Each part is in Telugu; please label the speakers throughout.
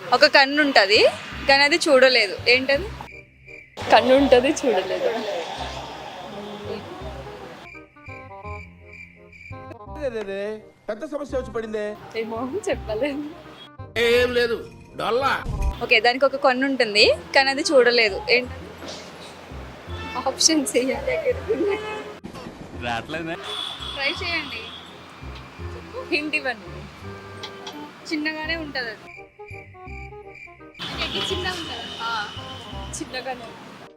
Speaker 1: ఒక కన్ను ఉంటుంది కానీ అది చూడలేదు, ఏంటది?
Speaker 2: కన్ను ఉంటుంది చూడలేదు.
Speaker 3: పెద్ద సమస్య వచ్చి పడిందే.
Speaker 2: ఏమో చెప్పలేదు.
Speaker 3: ఏం లేదు డొల్లా.
Speaker 1: ఓకే, దానికి ఒక కన్ను ఉంటుంది కానీ అది చూడలేదు, ఏంటది?
Speaker 2: ఆప్షన్స్
Speaker 1: ట్రై చేయండి, హింట్ ఇవ్వండి. చిన్నగానే ఉంటుంది అది.
Speaker 2: చిన్నగానే.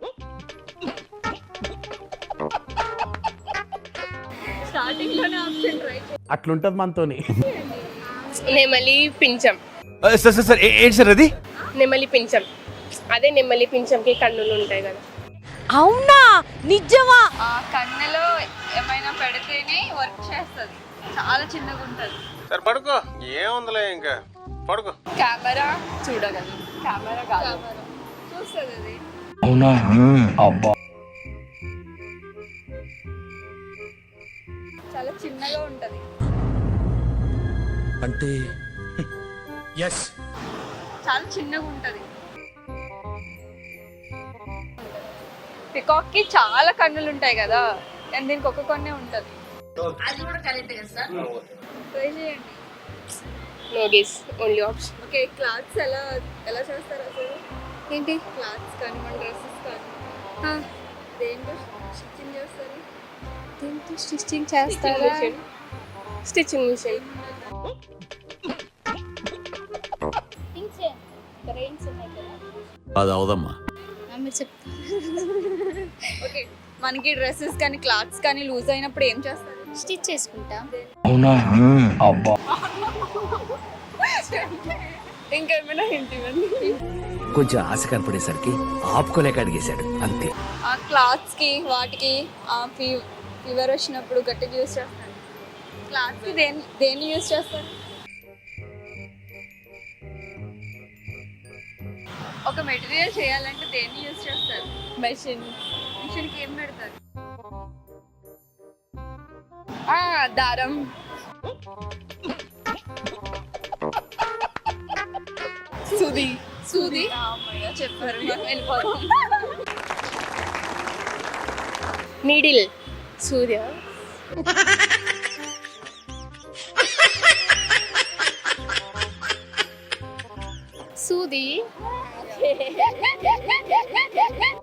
Speaker 1: స్టార్టింగ్ లోనే ఆప్షన్ ట్రై
Speaker 4: అట్లుంటది మనతోని.
Speaker 2: నెమలి పించం.
Speaker 5: సార్ సార్ సార్ ఏంటి సార్ అది?
Speaker 2: నెమలి పించం, అదే నెమలి పించంకి కన్నులు ఉంటాయి కదా.
Speaker 6: అవునా, నిజమా?
Speaker 1: ఆ కన్నులో ఏమైనా పెడితేనే వర్క్ చేస్తుంది, చాలా చిన్నగా ఉంటుంది.
Speaker 3: సరే పడుకో, ఏముందిలే ఇంకా పడుకో.
Speaker 1: కెమెరా
Speaker 2: చూడగలరు.
Speaker 1: కెమెరా కాదు, చూస్తుంది అది.
Speaker 4: అవునా? అబ్బా.
Speaker 1: చాలా చిన్నగా ఉంటుంది.
Speaker 3: అంటే ఎస్,
Speaker 1: చాలా చిన్నగా ఉంటుంది. పికాక్ కి చాలా కన్నులు ఉంటాయి కదా, అండ్ దీనికి ఒక కన్నే ఉంటుంది. ట్రై చేయండి.
Speaker 2: No guess, only option.
Speaker 1: Okay, clothes ఎలా ఎలా చేస్తారు అసలు?
Speaker 2: ఏంటి?
Speaker 1: క్లాత్స్ కానీ మన డ్రెస్సెస్ కానీ దేంతో స్టిచ్చింగ్ చేస్తారు?
Speaker 2: దీంతో స్టిచ్చింగ్ చేస్తారా? Stitching machine.
Speaker 5: అది అవదమ్మా.
Speaker 1: ఓకే, మనకి డ్రెస్సెస్ కానీ క్లాత్స్ కానీ లూజ్ అయినప్పుడు ఏం చేస్తారు?
Speaker 6: స్టిచ్ చేసుకుంటా.
Speaker 4: అవునా? అబ్బా.
Speaker 2: ఇంకేమైనా హింట్ ఇవ్వండి.
Speaker 5: కొంచెం ఆశ కనపడేసరికి ఆపుకోలేక అడిగేశాడు అంతే.
Speaker 1: ఆ క్లాత్స్ కి వాటికి ఫీవర్ వచ్చినప్పుడు గట్టిగా యూజ్ చేస్తారు. క్లాత్స్ కి దేన్ని యూజ్ చేస్తారు? ఒక మెటీరియల్ చేయాలంటే దేన్ని యూజ్ చేస్తారు?
Speaker 2: మెషిన్.
Speaker 1: మిషన్కి ఏం పెడతారు?
Speaker 2: దారం. సూది.
Speaker 1: సూది. చెప్పారు, వెళ్ళిపోతాం.
Speaker 2: నీడిల్. సూర్య.
Speaker 6: సూది.